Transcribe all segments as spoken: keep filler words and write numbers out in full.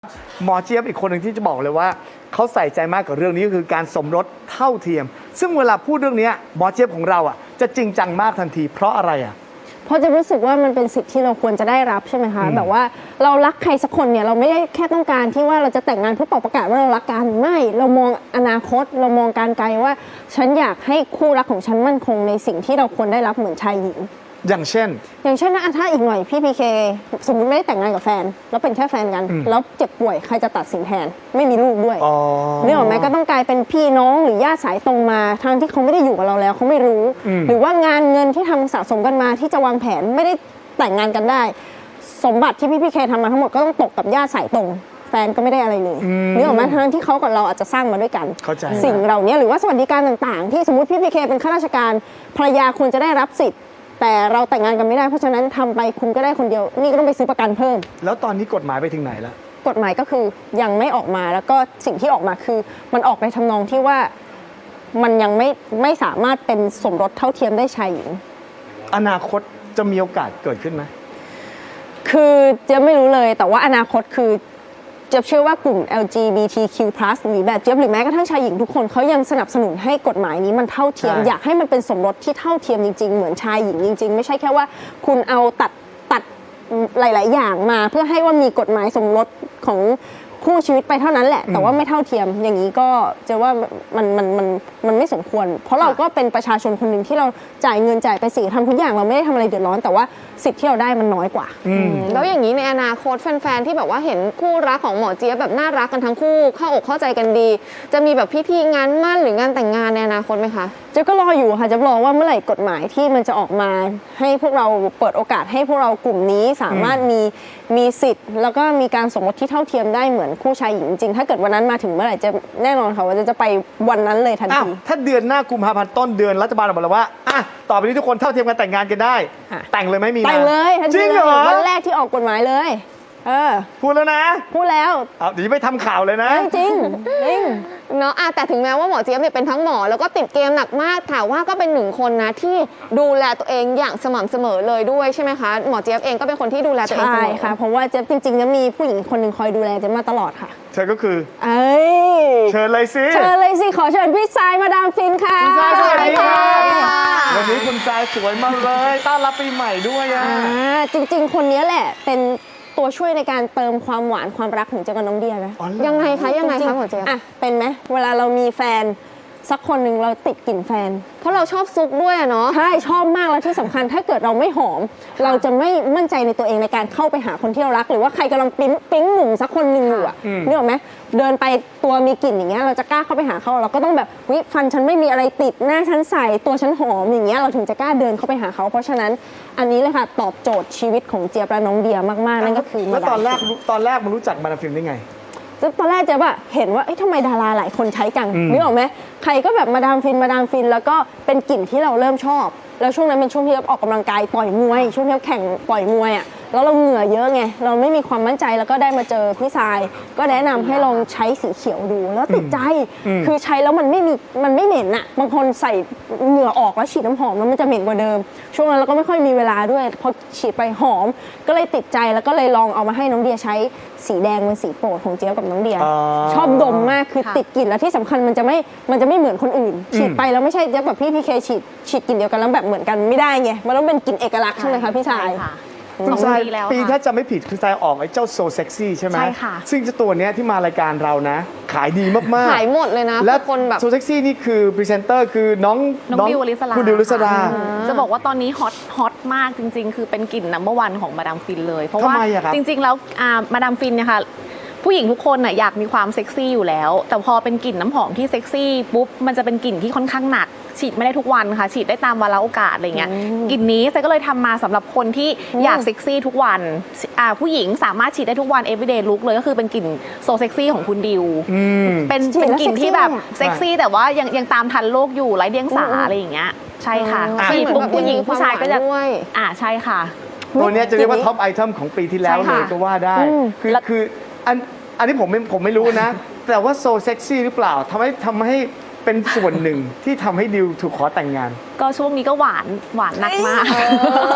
หมอเจี๊ยบอีกคนหนึ่งที่จะบอกเลยว่าเขาใส่ใจมากกับเรื่องนี้ก็คือการสมรสเท่าเทียม ซึ่งเวลาพูดเรื่องนี้หมอเจี๊ยบของเราอ่ะจะจริงจังมากทันทีเพราะอะไรอ่ะเพราะจะรู้สึกว่ามันเป็นสิทธิ์ที่เราควรจะได้รับใช่ไหมคะแบบว่าเรารักใครสักคนเนี่ยเราไม่ได้แค่ต้องการที่ว่าเราจะแต่งงานเพื่อเป่าประกาศว่าเรารักกันไม่เรามองอนาคตเรามองการไกลว่าฉันอยากให้คู่รักของฉันมั่นคงในสิ่งที่เราควรได้รับเหมือนชายหญิงอย่างเช่นอย่างเช่นนะถ้าอีกหน่อยพี่พีเคสมมติไม่ได้แต่งงานกับแฟนแล้วเป็นแค่แฟนกันแล้วเจ็บป่วยใครจะตัดสินแทนไม่มีลูกด้วยนี่หรอไหมก็ต้องกลายเป็นพี่น้องหรือญาติสายตรงมาทางที่เขาไม่ได้อยู่กับเราแล้วเขาไม่รู้หรือว่างานเงินที่ทำสะสมกันมาที่จะวางแผนไม่ได้แต่งงานกันได้สมบัติที่พี่พีเคทำมาทั้งหมดก็ต้องตกกับญาติสายตรงแฟนก็ไม่ได้อะไรเลยนี่หรอไหมทั้งที่เขากับเราอาจจะสร้างมาด้วยกันสิ่งเหล่านี้หรือว่าสวัสดิการต่างๆที่สมมติพี่พีเคเป็นข้าราชการภรรยาควรจะได้รับสิทธิ์แต่เราแต่งงานกันไม่ได้เพราะฉะนั้นทำไปคุณก็ได้คนเดียวนี่ก็ต้องไปซื้อประกันเพิ่มแล้วตอนนี้กฎหมายไปถึงไหนแล้วกฎหมายก็คือยังไม่ออกมาแล้วก็สิ่งที่ออกมาคือมันออกในทำนองที่ว่ามันยังไม่ไม่สามารถเป็นสมรสเท่าเทียมได้ชายหญิงอนาคตจะมีโอกาสเกิดขึ้นไหมคือจะไม่รู้เลยแต่ว่าอนาคตคือเจี๊ยบเชื่อว่ากลุ่ม แอล จี บี ที คิว พลัส หรือแบบเจี๊ยบหรือแม้กระทั่งชายหญิงทุกคนเขายังสนับสนุนให้กฎหมายนี้มันเท่าเทียมอยากให้มันเป็นสมรสที่เท่าเทียมจริงๆเหมือนชายหญิงจริงๆไม่ใช่แค่ว่าคุณเอาตัดตัดหลายๆอย่างมาเพื่อให้ว่ามีกฎหมายสมรสของคู่ชีวิตไปเท่านั้นแหละแต่ว่าไม่เท่าเทียมอย่างนี้ก็จะว่ามันมันมันมันไม่สมควรเพราะเราก็เป็นประชาชนคนหนึ่งที่เราจ่ายเงินจ่ายภาษีทำทุกอย่างเราไม่ได้ทำอะไรเดือดร้อนแต่ว่าสิทธิ์ที่เราได้มันน้อยกว่าแล้วอย่างนี้ในอนาคตแฟนๆที่แบบว่าเห็นคู่รักของหมอเจี๊ยบแบบน่ารักกันทั้งคู่เข้าอกเข้าใจกันดีจะมีแบบพิธีงานมั่นหรืองานแต่งงานในอนาคตไหมคะเจ๊ก็รออยู่ค่ะจะรอว่าเมื่อไหร่กฎหมายที่มันจะออกมาให้พวกเราเปิดโอกาสให้พวกเรากลุ่มนี้สามารถมีมีสิทธิ์แล้วก็มีการสมรสที่เท่าเทียมได้เหมือนคู่ชายหญิงจริงถ้าเกิดวันนั้นมาถึงเมื่อไหร่จะแน่นอนค่ะว่าจะไปวันนั้นเลยทันทีถ้าเดือนหน้ากุมภาพันธ์ต้นเดือนรัฐบาลบอกแล้วว่าอ่ะต่อไปนี้ทุกคนเท่าเทียมกันแต่งงานกันได้แต่งเลยไม่มีแต่งเลยจริงเหรอวันแรกที่ออกกฎหมายเลยเออพูดแล้วนะพูดแล้วเดี๋ยวไปทำข่าวเลยนะจริงจริงเนาะแต่ถึงแม้ว่าหมอเจี๊ยบเนี่ยเป็นทั้งหมอแล้วก็ติดเกมหนักมากแต่ว่าก็เป็นหนึ่งคนนะที่ดูแลตัวเองอย่างสม่ำเสมอเลยด้วยใช่ไหมคะหมอเจี๊ยบเองก็เป็นคนที่ดูแลตัวเองเสมอใช่ค่ะเพราะว่าเจี๊ยบจริงๆจะมีผู้หญิงคนหนึ่งคอยดูแลเจี๊ยบมาตลอดค่ะเธอก็คือเอ้ยเชิญเลยสิเชิญเลยสิขอเชิญพี่ทรายมาดามฟินค่ะคุณทรายสวัสดีค่ะวันนี้คุณทรายสวยมากเลยต้อนรับปีใหม่ด้วยอ่ะจริงๆคนนี้แหละเป็นตัวช่วยในการเติมความหวานความรักของเจ๊กับน้องเดียนะยังไงคะยังไงคะหมอเจี๊ยบอ่ะเป็นไหมเวลาเรามีแฟนสักคนหนึ่งเราติดกลิ่นแฟนเพราะเราชอบซุกด้วยเนาะใช่ชอบมากแล้วที่สำคัญถ้าเกิดเราไม่หอมเราจะไม่มั่นใจในตัวเองในการเข้าไปหาคนที่เรารักหรือว่าใครกำลังปิ๊งปิ๊งหนุ่มสักคนหนึ่งอยู่อ่ะนึกออกไหมเดินไปตัวมีกลิ่นอย่างเงี้ยเราจะกล้าเข้าไปหาเขาเราก็ต้องแบบวิฟันฉันไม่มีอะไรติดหน้าฉันใสตัวฉันหอมอย่างเงี้ยเราถึงจะกล้าเดินเข้าไปหาเขาเพราะฉะนั้นอันนี้เลยค่ะตอบโจทย์ชีวิตของเจี๊ยบและน้องเดียมากๆนั่นก็คือแล้วตอนแรกตอนแรกมันรู้จักมาดามฟินได้ไงตอนแรกเจ๊แบบเห็นว่าเอ๊ะทำไมดาราหลายคนใช้กันนึกออกไหมใครก็แบบมาดามฟินมาดามฟินแล้วก็เป็นกลิ่นที่เราเริ่มชอบแล้วช่วงนั้นเป็นช่วงที่เราออกกำลังกายต่อยมวยช่วงที่เราแข่งต่อยมวยอ่ะแล้วเราเหงื่อเยอะไงเราไม่มีความมั่นใจแล้วก็ได้มาเจอพี่ทรายก็แนะนำให้ลองใช้สีเขียวดูแล้วติดใจคือใช้แล้วมันไม่มีมันไม่เหม็นอ่ะบางคนใส่เหงื่อออกแล้วฉีดน้ำหอมแล้วมันจะเหม็นกว่าเดิมช่วงนั้นเราก็ไม่ค่อยมีเวลาด้วยพอฉีดไปหอมก็เลยติดใจแล้วก็เลยลองเอามาให้น้องเดียใช้สีแดงเป็นสีโปรดของเจี๊ยบกับน้องเดียชอบดมมากคือติดกลิ่นแล้วที่สำคัญมันจะไม่มันจะไม่เหมือนคนอื่นฉีดไปแล้วไม่ใช่เจี๊ยบกับพี่พีเคฉีดฉีดกลิ่นเดียวกันแล้วแบบเหมือนกันไม่ได้ไงมันต้องเป็นกลิ่นเอกลักษณ์ใช่ไหมคะพี่ชายคุณทรายปีถ้าจะไม่ผิดคุณทรายออกไอ้เจ้าโซเซ็กซี่ใช่ไหมใช่ค่ะซึ่งเจ้าตัวเนี้ยที่มารายการเรานะขายดีมากๆขายหมดเลยนะและคนแบบโซเซ็กซี่นี่คือพรีเซนเตอร์คือน้องน้องดิวลิศราคุณดิวลิศราจะบอกว่าตอนนี้ฮอตฮอตมากจริงๆคือเป็นกลิ่นนัมเบอร์วันของมาดามฟินเลยเพราะว่าจริงๆแล้วมาดามฟินเนี่ยค่ะผู้หญิงทุกคนน่ะอยากมีความเซ็กซี่อยู่แล้วแต่พอเป็นกลิ่นน้ำหอมที่เซ็กซี่ปุ๊บมันจะเป็นกลิ่นที่ค่อนข้างหนักฉีดไม่ได้ทุกวันค่ะฉีดได้ตามวาระโอกาสอะไรเงี้ยกลิ่นนี้เซก็เลยทำมาสำหรับคนที่อยากเซ็กซี่ทุกวันผู้หญิงสามารถฉีดได้ทุกวัน everyday look เลยก็คือเป็นกลิ่นโซเซ็กซี่ของคุณดิวเป็นเป็นกลิ่นที่แบบเซ็กซี่แต่ว่ายังยังตามทันโลกอยู่ไร้เดียงสาอะไรอย่างเงี้ยใช่ค่ะฉีดปุ๊บผู้หญิงผู้ชายก็จะอ่าใช่ค่ะตัวนี้จะเรียกว่าท็อปไอเทมของปีที่แล้วเลยก็ว่าได้คือคืออันอันนี้ผมไม่ผมไม่รู้นะแต่ว่าโซเซ็กซี่หรือเปล่าทำให้ทำให้เป็นส่วนหนึ่งที่ทำให้ดิวถูกขอแต่งงานก็ช่วงนี้ก็หวานหวานหนักมาก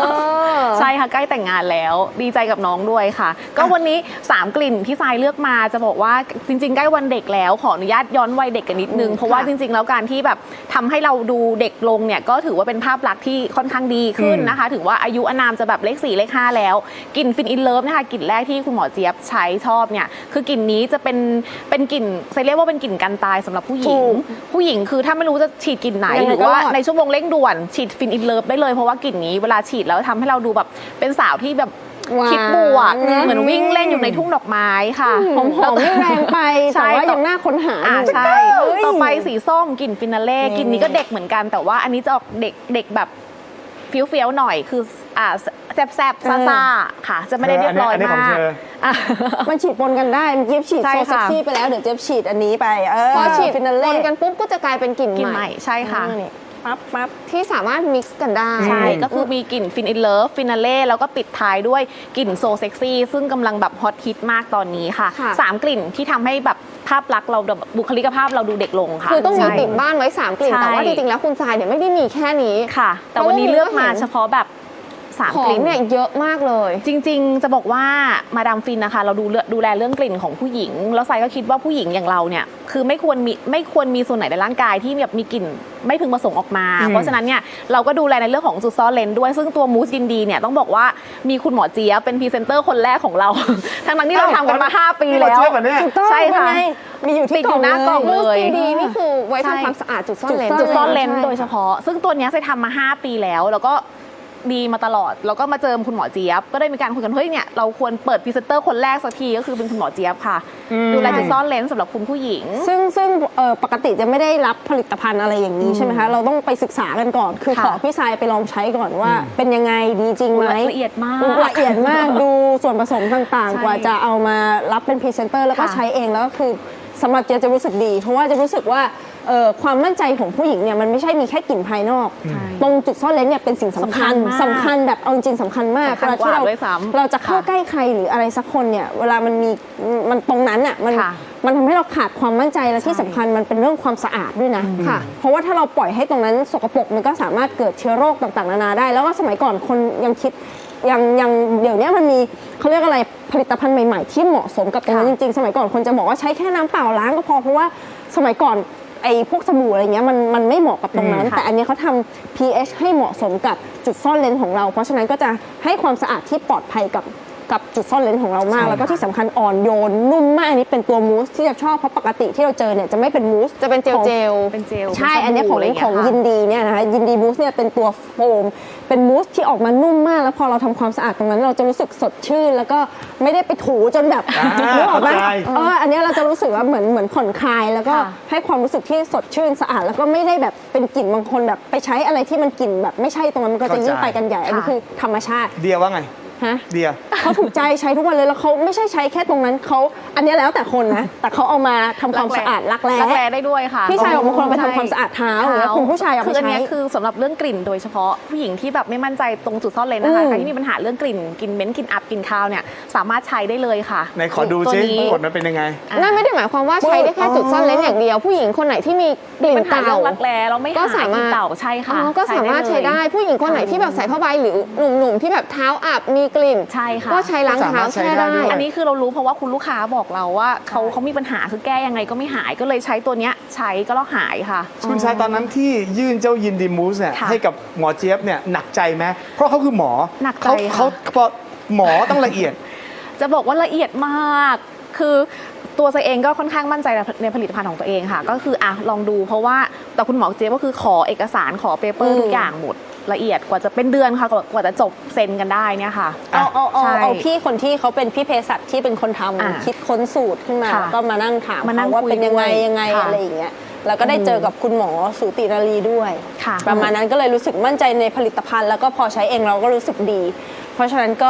ใช่ค่ะใกล้แต่งงานแล้วดีใจกับน้องด้วยค่ะ ก็วันนี้สามกลิ่นที่ทรายเลือกมาจะบอกว่าจริงๆใกล้วันเด็กแล้วขออนุญาตย้อนวัยเด็กกันนิดนึงเพราะว่าจริงๆแล้วการที่แบบทำให้เราดูเด็กลงเนี่ยก็ถือว่าเป็นภาพลักษณ์ที่ค่อนข้างดีขึ้นนะคะถึงว่าอายุอานามจะแบบเลขสี่เลขห้าแล้วกลิ่นฟินอินเลิฟนะคะกลิ่นแรกที่คุณหมอเจี๊ยบใช้ชอบเนี่ยคือกลิ่นนี้จะเป็นเป็นกลิ่นจะเรียกว่าเป็นกลิ่นกันตายสำหรับผู้หญิงผู้หญิงคือถ้าไม่รู้จะฉีดกลิ่นไหนหรือว่าในชั่วโมงเร่งด่วนฉีดฟินอินเลิฟได้เลยเพราะว่ากลิ่นนี้เวลาฉีดแล้วทำให้เราดูแบบเป็นสาวที่แบบคิดบวกเหมือนวิ่งเล่นอยู่ในทุ่งดอกไม้ค่ะหอมหอมไม่แรงไปใช่แต่ว่ายังน่าค้นหาอ่าอยู่ใช่ต่อไปสีส้มกลิ่นฟินาเล่กลิ่นนี้ก็เด็กเหมือนกันแต่ว่าอันนี้จะออกเด็กเด็กแบบเฟี้ยวๆหน่อยคืออ่าแซบๆซ่าๆค่ะจะไม่ได้เรียบร้อยมากมันฉีดปนกันได้เจี๊ยบฉีดใช่โซเซ็กค่ะซี่ไปแล้วเดี๋ยวเจี๊ยบฉีดอันนี้ไปเออพอฉีดฟินาปเล่นกันปุ๊บก็จะกลายเป็นกลิ่นกลิ่นใหใหม่ม่ใช่ค่ะนี่ปั๊บปั๊บที่สามารถมิกซ์กันได้ใช่ก็คือมีกลิ่นฟินอินเลิฟฟินาเล่แล้วก็ปิดท้ายด้วยกลิ่นโซเซ็กซี่ซึ่งกำลังแบบฮอตฮิตมากตอนนี้ค่ะค่ะสามกลิ่นที่ทำให้แบบภาพลักษณ์เราแบบบุคลิกภาพเราดูเด็กลงค่ะคือต้องมีใช่ติดบ้านไว้สามกลิ่นใช่แต่ว่าจริงๆแล้วคุณทรายเนี่ยไม่ได้มีแค่นี้ค่ะ แต่วันนี้เลือกมาเฉพาะแบบสามขอก งลิ่นเนี่ยเยอะมากเลยจริงๆ จะบอกว่ามาดามฟินนะคะเราดูเลือกดูแลเรื่องกลิ่นของผู้หญิง แล้วไซก็คิดว่าผู้หญิงอย่างเราเนี่ยคือไม่ควรมีไม่ควรมีส่วนไหนในร่างกายที่แบบมีกลิ่นไม่พึงประสงค์ออกมาอืมเพราะฉะนั้นเนี่ยเราก็ดูแลในเรื่องของจุดซ่อนเลนด้วยซึ่งตัวมูสยินดีเนี่ยต้องบอกว่ามีคุณหมอเจี๊ยบเป็นพรีเซนเตอร์คนแรกของเรา ทั้งนั้นที่เราทำกันมาห้าปีนี่แล้เราวเชื่อป่ะเนี่ยถูกต้องใช่ค่ะเป็นไงมีอยู่ติที่ดอยู่หน้ากล่องเลเลย ยดีนี่คือไว้ใช่ทำความสะอาดจุดซ่อนเลนจุดซ่อนเลนใช่โดยเฉพาะ ซึ่งตัวเนี้ยเคยทำมาห้าปีแล้วแล้วก็ดีมาตลอดแล้วก็มาเจอคุณหมอเจี๊ยบก็ได้มีการคุยกันเฮ้ยเนี่ยเราควรเปิดพรีเซนเตอร์คนแรกสักทีก็คือเป็นคุณหมอเจี๊ยบค่ะดูแลจุดซ่อนเลนสำหรับคุณผู้หญิงซึ่งซึ่งเอ่อปกติจะไม่ได้รับผลิตภัณฑ์อะไรอย่างนี้ใช่ไหมคะ เราต้องไปศึกษากันก่อน คือค่ะขอพี่ทรายไปลองใช้ก่อนว่า เป็นยังไงดีจริงไหมละเอียดมากละเอียดมากดูส่วนผสมต่างใช่ๆ กว่าจะเอามารับเป็นพรีเซนเตอร์แล้วก็ค่ะใช้เองแล้วก็คือสำหรับเจ๊จะรู้สึกดี เพราะว่าจะรู้สึกว่าเอ่อความมั่นใจของผู้หญิงเนี่ยมันไม่ใช่มีแค่กลิ่นภายนอกใช่ตรงจุดซ่อนเลนเนี่ยเป็นสิ่งสำคัญสำคัญมากสำคัญแบบเอาจริงๆสำคัญมากสำคัญเวลาที่เรากว่าด้วยซ้ำเราจะเข้าค่ะใกล้ใครหรืออะไรสักคนเนี่ยเวลามันมีมันตรงนั้นอ่ะมันค่ะมันทำให้เราขาดความมั่นใจและที่ใช่สำคัญมันเป็นเรื่องความสะอาดด้วยนะค่ะเพราะว่าถ้าเราปล่อยให้ตรงนั้นสกปรกมันก็สามารถเกิดเชื้อโรคต่างๆนานาได้ แล้วก็สมัยก่อนคนยังคิดยังยังเดี๋ยวนี้มันมีเขาเรียกอะไรผลิตภัณฑ์ใหม่ๆ ที่เหมาะสมกับตรงนั้นจค่ะริงๆ สมัยก่อนคนจะบอกว่าใช้แค่น้ำเปล่าล้างก็พอเพราะว่าสมัยก่อนไอ้พวกสบู่อะไรเงี้ยมันมันไม่เหมาะกับตรงนั้นอืมค่ะแต่อันนี้เขาทำ pH ให้เหมาะสมกับจุดซ่อนเลนของเรา เพราะฉะนั้นก็จะให้ความสะอาดที่ปลอดภัยกับกับจุดซ่อนเลนของเรามาก แล้วก็ที่สำคัญอ่อนโยนนุ่มมากอันนี้เป็นตัวมูสที่จะชอบเพราะปกติที่เราเจอเนี่ยจะไม่เป็นมูสจะเป็นเจลของเจลเป็นเจลใช่เป็อันสนี้บู่ของะไรของเงี้ยิค่ะนดีเนี่ยนะคะยินดีบูสเนี่ยเป็นตัวโฟมเป็นมูสที่ออกมานุ่มมาก แล้วพอเราทำความสะอาดตรงนั้นเราจะรู้สึกสดชื่น แล้วก็ไม่ได้ไปถูจนแบบอ่านึกออกไหมเข้าใจเอออันนี้เราจะรู้สึกว่าเหมือนเหมือนผ่อนคลาย แล้วก็ค่ะให้ความรู้สึกที่สดชื่นสะอาด แล้วก็ไม่ได้แบบเป็นกลิ่นบางคนแบบไปใช้อะไรที่มันกลิ่นแบบไม่ใช่ตรงนั้นมันก็จะยิ่งไปกันใหญ่อันนี้คือธรรมชาติเดียว่าไงฮะเดียเขาถูกใจใช้ทุกวันเลยแล้วเขาไม่ใช่ใช้แค่ตรงนั้นเขาอันนี้แล้วแต่คนนะแต่เขาเอามาทำความสะอาดรักแร้รักแร้ได้ด้วยค่ะพี่ชายของบางคนเอาไปทำความสะอาดเท้าหรือว่าคุณผู้ชายเอาไปคืออันใช้เนี้ยคือสำหรับเรื่องกลิ่นโดยเฉพาะผู้หญิงที่แบบไม่มั่นใจตรงจุดซ่อนเลนนะคะอืมใครที่มีปัญหาเรื่องกลิ่นกลิ่นเหม็นกลิ่นอับกลิ่นคาวเนี่ยสามารถใช้ได้เลยค่ะไหนขอดูตัวซินี้กฎมันเป็นยังไงนั่นไม่ได้หมายความว่าใช้ได้แค่จุดซ่อนเลนอย่างเดียว ผู้หญิงคนไหนที่มีกลิ่นปัญหาเต่าเรื่องรักแร้เราไม่ก็หายสามารถกลิ่นเต่าใช่อ๋ค่ะอก็สามารถใช้ได้ ผู้หญิงคนไหนที่แบบใส่ผ้าใบหรือหนุ่มๆที่แบบเท้าอับมีกลิ่นใช่ค่ะก็ใช้ล้างเท้าแช่ได้อันนี้คือเรารู้เพราะว่าคุณลูกค้าบอกเราว่าเขาเขามีปัญหาคือแก้ยังไงก็ไม่หายก็เลยใช้ตัวเนี้ยใช้ก็แล้วหายค่ะคุณชายตอนนั้นที่ยื่นเจ้ายินดีมูสเนี่ยค่ะให้กับหมอเจี๊ยบเนี่ยหนักใจไหมเพราะเขาคือหมอหนักใจเขาค่ะเขาเขาหมอต้องละเอียดจะบอกว่าละเอียดมาก คือตัวตัวเองก็ค่อนข้างมั่นใจในผลิตภัณฑ์ของตัวเองค่ะ ก็คืออ่ะลองดูเพราะว่าแต่คุณหมอเจี๊ยบก็คือขอเอกสารขอเปเปอร์อืมทุกอย่างหมดละเอียดกว่าจะเป็นเดือนค่ะกว่ากว่าจะจบเซ็นกันได้เนี่ยค่ะเอาเอาเอาใช่เอาพี่คนที่เขาเป็นพี่เภสัชที่เป็นคนทอ่าำคิดค้นสูตรขึ้นมาค่ะแล้วก็มานั่งถามมานั่งเขาว่าคุยเป็นยังไงด้วยยังไงค่ะอะไรอย่างเงี้ยแล้วก็ได้เจอกับคุณหมอสูตินารีด้วยค่ะประมาณนั้นก็เลยรู้สึกมั่นใจในผลิตภัณฑ์ แล้วก็พอใช้เองเราก็รู้สึกดี เพราะฉะนั้นก็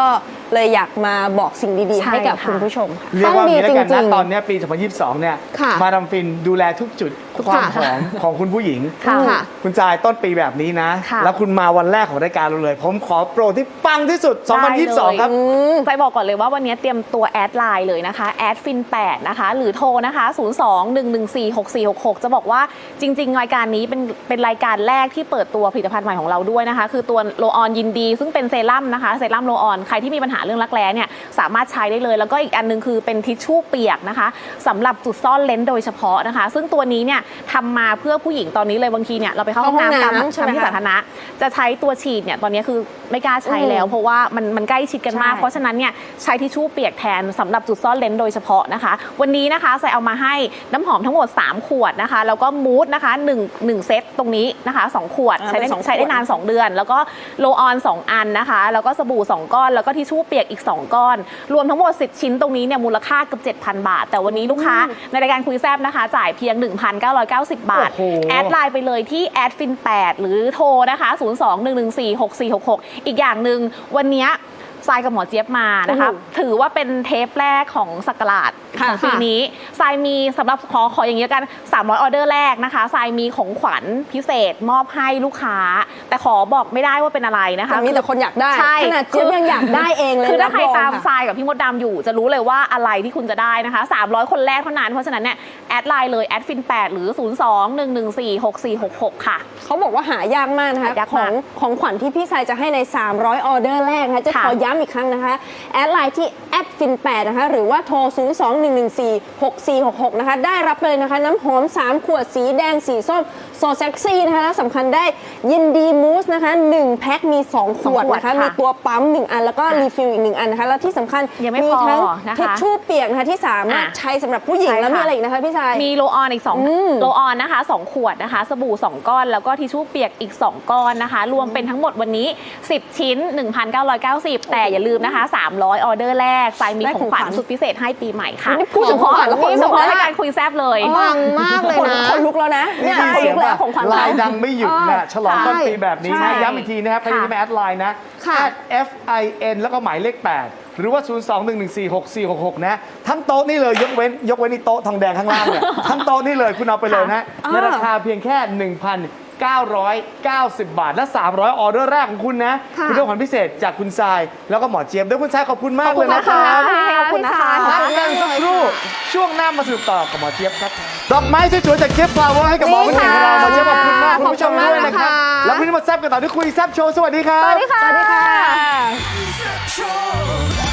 เลยอยากมาบอกสิ่งดีๆใช่ให้กับค่ะคุณผู้ชมค่ะเรียกว่าอย่างนี้แล้วกันต้องดีจรินะงๆตอนเนี้ยปี สองพันยี่สิบสอง เนี่ยค่ะมาดามฟินดูแลทุกจุดความหอมของคุณผู้หญิงค่ะค่ะคุณจายต้นปีแบบนี้นะค่ะแล้วคุณมาวันแรกของรายการเราเลย ผมขอโปรที่ปังที่สุด สองพันยี่สิบสอง ครับใจบอกก่อนเลยว่าวันนี้เตรียมตัวแอดไลน์เลยนะคะแอดฟินแปดนะคะหรือโทรนะคะ ศูนย์ สอง หนึ่ง หนึ่ง สี่ หก สี่ หก หก จะบอกว่าจริง ๆ รายการนี้เป็นเป็นรายการแรกที่เปิดตัวผลิตภัณฑ์ใหม่ของเราด้วยนะคะ คือตัวโลออนยินดี ซึ่งเป็นเซรั่มนะคะเซรั่มโลออนใครที่มีปัญหาเรื่องรักแร้เนี่ยสามารถใช้ได้เลย แล้วก็อีกอันนึงคือเป็นทิชชู่เปียกนะคะสำหรับจุดซ่อนเลนส์โดยเฉพาะนะคะ ซึ่งตัวนี้เนี่ยทำมาเพื่อผู้หญิงตอนนี้เลยบางทีเนี่ยเราไปเข้าห้องน้ำตามเข้าห้องน้ำใช่ไหมที่คะสาธารณะจะใช้ตัวฉีดเนี่ยตอนนี้คือไม่กล้าใช้แล้ว เพราะว่ามันมันใกล้ชิดกันมากใช่เพราะฉะนั้นเนี่ยใช้ทิชชู่เปียกแทนสำหรับจุดซ่อนเลนส์โดยเฉพาะนะคะ วันนี้นะคะใส่เอามาให้น้ำหอมทั้งหมด สาม ขวดนะคะ แล้วก็มูสนะคะ1 1เซตตรงนี้นะคะสองขวดอ่าใช้ได้เป็นสองใช้ได้ขวดนาน สอง เดือน แล้วก็โลออน สอง อันนะคะ แล้วก็สบู่ สอง ก้อน แล้วก็ทิชชู่เปียกอีก สอง ก้อน รวมทั้งหมด สิบ ชิ้นตรงนี้เนี่ยมูลค่าเกือบ เจ็ดพัน บาท แต่วันนี้ลูกค้าในรายการคุยแซบนะคะ จ่ายเพียง หนึ่งพันเก้าร้อยเก้าสิบ บาทโอ้โหแอดไลน์ไปเลยที่แอดฟินแปดหรือโทรนะคะ ศูนย์ สอง หนึ่ง หนึ่ง สี่ หก สี่ หก หก อีกอย่างหนึ่งวันเนี้ยทรายกับหมอเจี๊ยบมานะคะอือหือถือว่าเป็นเทปแรกของสักราชค่ะของปีนี้ทรายมีสำหรับขอขออย่างนี้ยกันสามร้อยออเดอร์แรกนะคะทรายมีของขวัญพิเศษมอบให้ลูกค้า แต่ขอบอกไม่ได้ว่าเป็นอะไรนะคะแต่มีแต่คนอยากได้ใช่ขนาดเจี๊ยบยังอยากได้เองเลยคือถ้าใครบองตามค่ะทรายกับพี่มดดำอยู่จะรู้เลยว่าอะไรที่คุณจะได้นะคะสามร้อยคนแรกเท่านั้นเพราะฉะนั้นเนี่ยแอดไลน์เลยแอดฟินแปดหรือ ศูนย์ สอง หนึ่ง หนึ่ง สี่ หก สี่ หก หก ค่ะเขาบอกว่าหายากมากนะคะหายากขอมาง กของขวัญที่พี่ชายจะให้ใน สามร้อยออเดอร์แรกนะคะจะค่ะขอย้ำอีกครั้งนะคะแอดไลน์ที่แอดฟินแปดนะคะหรือว่าโทร ศูนย์ สอง หนึ่ง หนึ่ง สี่ หก สี่ หก หก นะคะได้รับไปเลยนะคะน้ำหอม สาม ขวดสีแดงสีส้มโซเซ็กซี่นะคะแล้วสำคัญได้ยินดีมูสนะคะหนึ่งแพ็คมี สอง ขวดสองขวดนะคะค่ะมีตัวปั๊มหนึ่งอันแล้วก็รีฟิลอีกหนึ่งอันนะคะแล้วที่สำคัญยังไม่พอทั้งนะคะทิชชู่เปียกนะคะที่สามารถอ่ะใช้สำหรับผู้หญิงใช่แล้วมีค่ะอะไรอีกนะคะพี่ชายมีโลออนอีกสองอืมโลออนนะคะสองขวดนะคะ สบู่สองก้อน แล้วก็ทิชชู่เปียกอีก สอง ก้อนนะคะ รวมเป็นทั้งหมดวันนี้ สิบ ชิ้น หนึ่งพันเก้าร้อยเก้าสิบ แต่อย่าลืมนะคะ สามร้อย ออเดอร์แรกทรายมีได้ของขวัญของขวัญสุดพิเศษให้ปีใหม่ค่ะนี่พูดถึงของขวัญแล้วขนลุกเฉพาะแล้วรายการคุยแซบเลยปังมากเลยนะคนลุกแล้วนะเนี่ยได้คนยิลุนกเสียงแล้วป่ะของขวัญไลเราน์ดังไม่หยุดนะฉลองต้นปีแบบนี้ใช่นะย้ำอีกทีนะครับใครที่ไม่แอดไลน์นะค่ะแอด F I N แล้วก็หมายเลข แปด หรือว่า ศูนย์ สอง หนึ่ง หนึ่ง สี่ หก สี่ หก หก นะ ทั้งโต๊ะนี่เลยยกเว้นยกเว้นนี่โต๊ะทองแดงข้างล่างเนี่ย ทั้งโต๊ะนี่เลยคุณเอาไปเลยนะอ่าในราคาเพียงแค่ หนึ่งพันเก้าร้อยเก้าสิบ บาท และ สามร้อย ออเดอร์แรกของคุณนะค่ะคุณได้ของขวัญพิเศษจากคุณทรายแล้วก็หมอเจี๊ยบด้วยคุณทรายขอบคุณมากเลยนะครับขอบคุณนะคะพักกันสักครู่ช่วงหน้ามาสนุกต่อกับหมอเจี๊ยบครับดอกไม้สวยๆจากเจี๊ยบฟลาวเวอร์ให้กับหมอคนเก่งของเราหมอเจี๊ยบขอบคุณมากคุณผู้ชมด้วยนะครับ แล้วพรุ่งนี้มาแซ่บกันต่อที่คุยแซ่บโชว์สวัสดีครับสวัสดีค่ะสวัสดีค่ะ Show.